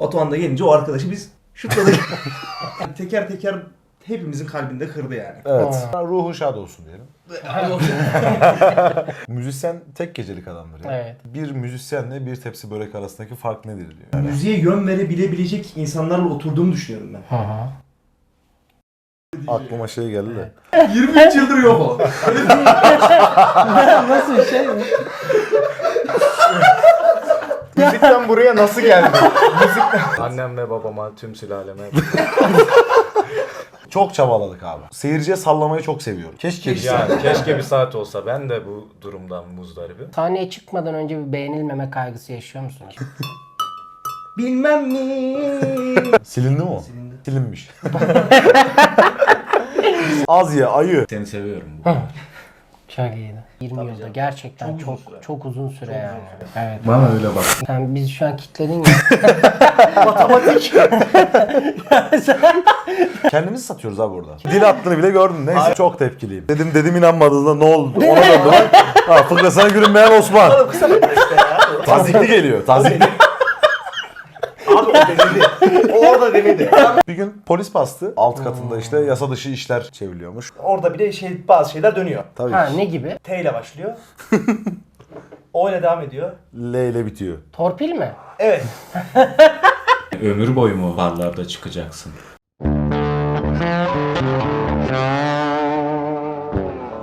Batuhan da gelince o arkadaşı biz şutladık. Teker teker hepimizin kalbinde kırdı yani. Evet. Ruhun şad olsun diyelim. Müzisyen tek gecelik adamdır ya. Evet. Bir müzisyenle bir tepsi börek arasındaki fark nedir diyor. Yani. Müziğe yön verebilecek insanlarla oturduğumu düşünüyorum ben. Hı hı. Aklıma şey geldi de. 23 yıldır yok o. Nasıl bir şey mi? Müzikten buraya nasıl geldi? Annemle babama, tüm sülaleme. Çok çabaladık abi. Seyirciye sallamayı çok seviyorum. Keşke bir saat. Yani keşke bir saat olsa. Ben de bu durumdan muzdaribim. Sahneye çıkmadan önce bir beğenilmeme kaygısı yaşıyor musunuz? Bilmem mi? Silindi mi o? Silindi. Silinmiş. Az ye ayı. Seni seviyorum. Çok iyiydi. 20 yılda gerçekten çok uzun süre yani. Evet. Bana öyle bak. Sen bizi şu an kitledin ya. Matematik. Kendimizi satıyoruz abi orada. Dil attığını bile gördün. Neyse çok tepkiliyim. Dedim inanmadığında ne oldu? Ona döndü lan. Ha fıkrasına gülünmeyen Osman. Tazikli geliyor. Tazikli. Abi o denedi. O orada denedi. Bir gün polis bastı. Alt katında işte yasa dışı işler çevriliyormuş. Orada bir de bazı şeyler dönüyor. Tabii Ha ki. ne gibi? T ile başlıyor. O ile devam ediyor. L ile bitiyor. Torpil mi? Evet. Ömür boyu mu barlarda çıkacaksın?